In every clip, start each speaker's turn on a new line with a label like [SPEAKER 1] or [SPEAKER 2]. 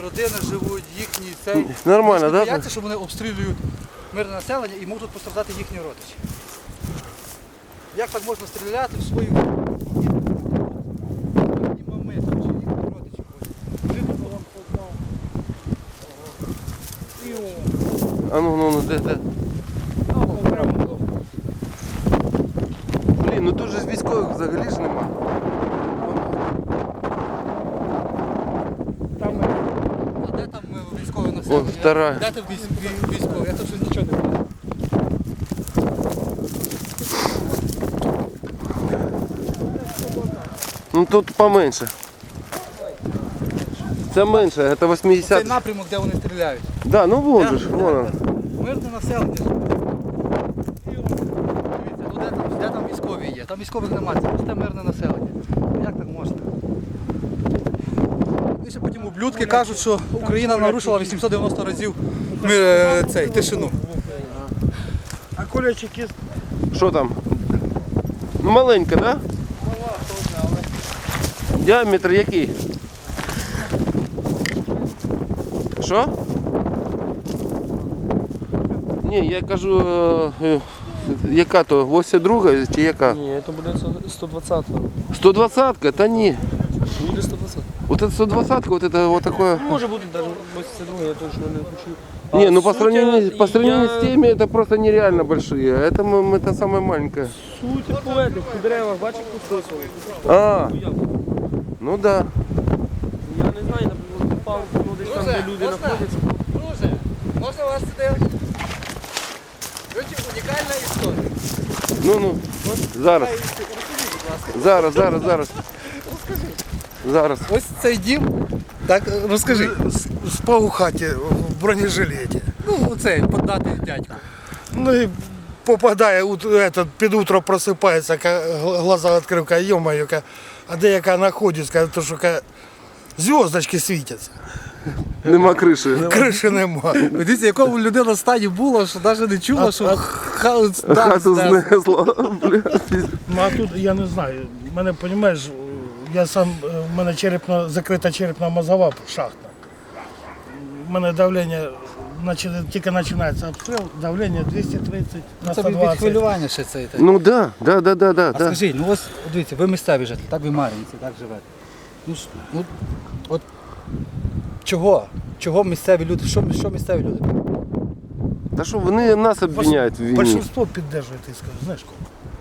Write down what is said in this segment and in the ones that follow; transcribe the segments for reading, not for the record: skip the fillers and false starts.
[SPEAKER 1] родини живуть, їхні цей.
[SPEAKER 2] Нормально, так?
[SPEAKER 1] Бояться, що вони обстрілюють мирне населення і можуть постраждати їхні родичі. Як так можна стріляти в свою мами, чи їхні родичі?
[SPEAKER 2] А ну, де? Блін, ну тут же ж військових взагалі ж нема.
[SPEAKER 1] А де там військове населення?
[SPEAKER 2] Вон втора.
[SPEAKER 1] Де там військові? Я тут ще нічого не бачу.
[SPEAKER 2] Ну тут поменше. Це менше, це 80.
[SPEAKER 1] Цей напрямок, де вони стріляють.
[SPEAKER 2] Да, ну вон же ж, вон.
[SPEAKER 1] Мирне населення. Дивіться, ну де там військові є? Там військових немає, це просто мирне населення. Як так можна? І ще потім ублюдки кажуть, що Україна нарушила 890 разів тишину.
[SPEAKER 3] А кулечик є?
[SPEAKER 2] Що там? Ну маленька, да? Діаметр який? Що? Ні, я кажу, яка то, 82 чи яка?
[SPEAKER 3] Ні, це буде 120-го.
[SPEAKER 2] 120-ка? Та ні.
[SPEAKER 3] Буде 120.
[SPEAKER 2] Вот это 120-ка, вот это вот такое.
[SPEAKER 3] Може бути навіть 82, я точно не хочу.
[SPEAKER 2] Не, ну по сравнению с теми это просто нереально большие. А это самое маленькое.
[SPEAKER 3] Суть повети, в деревах, бачиш, підписували.
[SPEAKER 2] А, ну да.
[SPEAKER 3] Я не знаю, наприклад, попав, ну десь там, де люди знаходяться.
[SPEAKER 1] Друже, можна вас сюди? Короче, унікальна історія.
[SPEAKER 2] Ну, зараз. Зараз.
[SPEAKER 1] Ось цей дім. Так, розкажи.
[SPEAKER 4] Спав у хаті в бронежилеті.
[SPEAKER 1] Ну, оцей, подати дядьку.
[SPEAKER 4] Ну і попадає, під утро просипається, глаза відкрив, каже, йо-моє, а де яка знаходиться, каже, то що зв'язочки світяться.
[SPEAKER 2] Нема криші.
[SPEAKER 4] Криші нема.
[SPEAKER 1] Дивіться, якому людина в стані була, що навіть не чула, що
[SPEAKER 2] Хату знесло.
[SPEAKER 4] Ну а тут я не знаю, мене, розумієш, в мене закрита черепно-мозгова шахта. У мене давлення, тільки починається обстріл, давлення 230 на
[SPEAKER 1] це від
[SPEAKER 4] 120.
[SPEAKER 1] хвилювання ще цей.
[SPEAKER 2] Ну да.
[SPEAKER 1] А скажіть, ну ось, дивіться, ви місцеві жителі, так ви мар'їнці, так живете. Ну, от чого місцеві люди, що місцеві люди?
[SPEAKER 2] Та що, вони нас обвиняють в війні.
[SPEAKER 4] Большинство підтримує, ти скажеш, знаєш кого?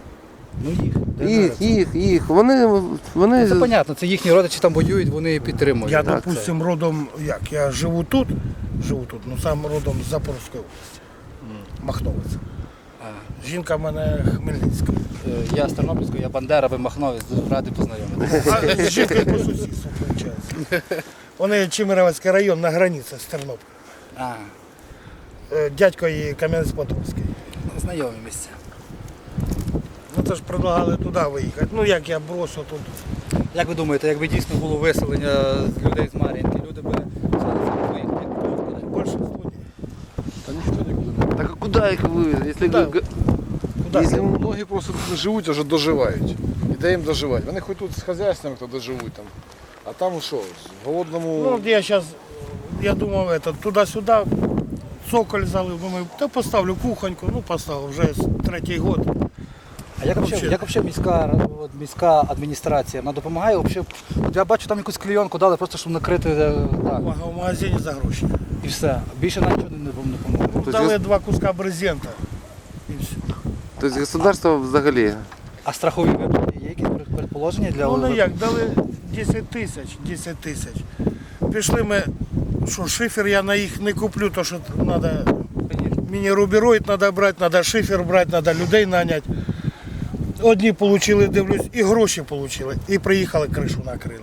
[SPEAKER 1] Ну
[SPEAKER 2] Їх. Вони...
[SPEAKER 1] Це понятно, це їхні родичі там воюють, вони підтримують.
[SPEAKER 4] Я,
[SPEAKER 1] Так,
[SPEAKER 4] допустим, родом, я живу тут, ну сам родом з Запорізької області, Махновець. Жінка в мене Хмельницька.
[SPEAKER 1] Я з Тернопільського, я Бандера, ви Махновець, дуже радий познайомитися.
[SPEAKER 4] А з жінкою по сусідству, виходить. Вони Чемеровецький район на границі з Тернополем. Дядько її Кам'янець-Подольський.
[SPEAKER 1] Знайомі місця.
[SPEAKER 4] Ну це ж предлагали туди виїхати. Ну як я бросив тут.
[SPEAKER 1] Як ви думаєте, якби дійсно було виселення людей з Мар'їнки, люди б виїхали?
[SPEAKER 4] Большинство ні.
[SPEAKER 5] Та ніхто нікуди.
[SPEAKER 2] Так а куди їх вивезти?
[SPEAKER 4] Куди?
[SPEAKER 5] Многі просто тут живуть, вже доживають. І де їм доживати? Вони хоч тут з хазяйствами то доживуть там. А там що, в голодному...
[SPEAKER 4] Ну от я думав, туди-сюди, цоколь залив, думаю, та поставлю кухоньку, ну поставив, вже 3-й год.
[SPEAKER 1] А як взагалі міська адміністрація, вона допомагає? От я бачу, там якусь клейонку дали, просто щоб накрити так,
[SPEAKER 4] В магазині за гроші.
[SPEAKER 1] і все. Більше нічого не допомагає.
[SPEAKER 4] Дали 2 куска брезента і все.
[SPEAKER 2] Тобто государство взагалі.
[SPEAKER 1] А страхові виплати є якісь предположення для...
[SPEAKER 4] Ну як, дали 10 тисяч. Пішли ми, що шифер я на їх не куплю, то що треба, мені рубероїд треба брати, треба шифер брати, треба людей наняти. Одні отримали, дивлюсь, і гроші отримали, і приїхали, кришу накрили.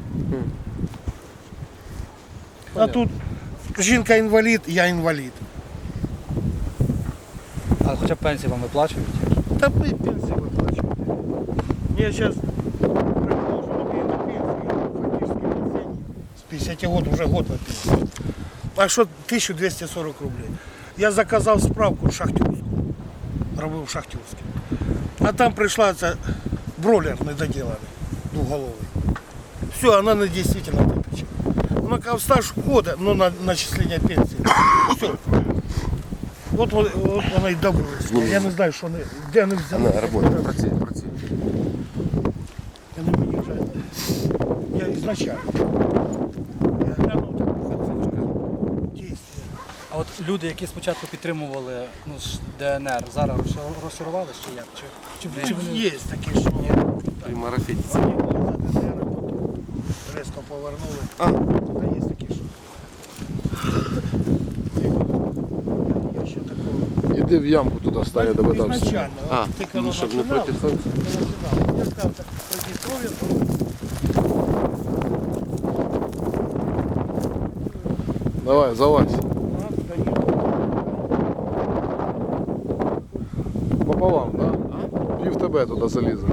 [SPEAKER 4] А тут жінка інвалід, я інвалід.
[SPEAKER 1] А хоча б пенсії вам виплачують?
[SPEAKER 4] Та ми пенсії виплачуємо. Я зараз на пенсії, з 50 років вже год на пенсії. А що 1240 рублей? Я заказав справку шахтерську, робив шахтерську. А там прийшла ця бройлер недоділений, двоголовий. Все, вона не дійсно топить. Ну, как стаж входа, ну, на начисление пенсии. Все. Вот вона й добилась. Я не знаю, що вони, де вони взяли.
[SPEAKER 2] Она работает, працює.
[SPEAKER 4] Я не виїжджаю. Я ізначально. Я глянув так, дійсно.
[SPEAKER 1] А от люди, які спочатку підтримували ДНР, зараз розчарували чи як? Чи вони...
[SPEAKER 4] Є такі, що
[SPEAKER 2] Примарафетится.
[SPEAKER 4] вони були за ДНР, а потім резко повернули.
[SPEAKER 2] А.
[SPEAKER 4] Та є такі, що. Я ще такого.
[SPEAKER 5] Іди в ямку туди стане, догадався.
[SPEAKER 4] Ізначально.
[SPEAKER 2] А,
[SPEAKER 4] Ти
[SPEAKER 2] ну,
[SPEAKER 4] коли
[SPEAKER 2] щоб не
[SPEAKER 4] починав,
[SPEAKER 2] проти сонця.
[SPEAKER 4] я сказав, так, Придністров'я,
[SPEAKER 5] Давай, залазь. Пополам, да? Пів тебе туди залізе.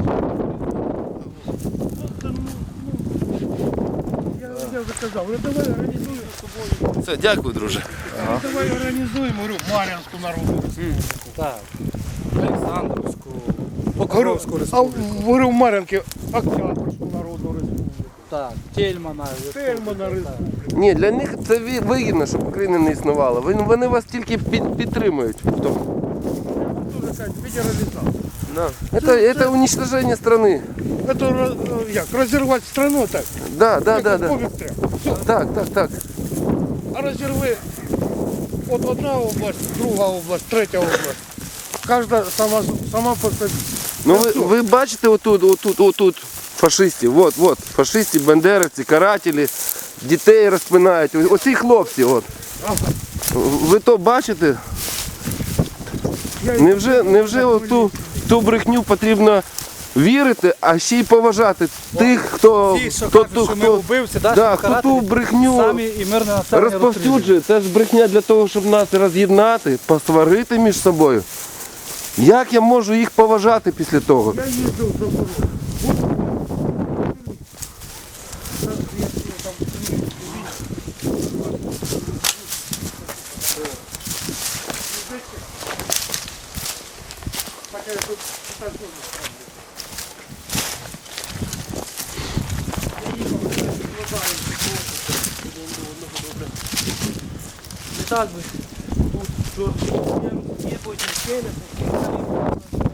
[SPEAKER 4] Я вже казав, ну давай організуємо з тобою.
[SPEAKER 2] Все, дякую, друже.
[SPEAKER 4] Давай організуємо, говорю, Мар'янську народну республіку.
[SPEAKER 1] Так. Олександровську,
[SPEAKER 4] Говорю,
[SPEAKER 1] Покровську
[SPEAKER 4] а
[SPEAKER 1] республіку.
[SPEAKER 4] говорю, в Мар'янки Октябрьську народну республіку.
[SPEAKER 1] Так, Тельмана.
[SPEAKER 4] Тельмана республіку.
[SPEAKER 2] Ні, для них це вигідно, щоб України не існувало. Вони вас тільки підтримують в тому.
[SPEAKER 4] Дуже кажуть, федералізація.
[SPEAKER 2] Да. Это уничтожение страны.
[SPEAKER 4] Це як, розірвати страну так?
[SPEAKER 2] Да.
[SPEAKER 4] Повітря. Все.
[SPEAKER 2] Так.
[SPEAKER 4] А розірви от одна область, друга область, третя область. Кожна сама по собі.
[SPEAKER 2] Ну ви бачите отут фашистів. Вот, фашисти, бандеровці, карателі, дітей розпинають. Оці хлопці, от. Ви то бачите? Невже ту брехню потрібно вірити, а ще й поважати тих, хто
[SPEAKER 1] Ті, що кажуть, що ми вбивці,
[SPEAKER 2] хто ту брехню
[SPEAKER 1] самі і мирне населення
[SPEAKER 2] розповсюджує. Це ж брехня для того, щоб нас роз'єднати, посварити між собою. Як я можу їх поважати після того?
[SPEAKER 4] Я їздив за Запорожжя.
[SPEAKER 3] Не так би. Тут є потім стіни,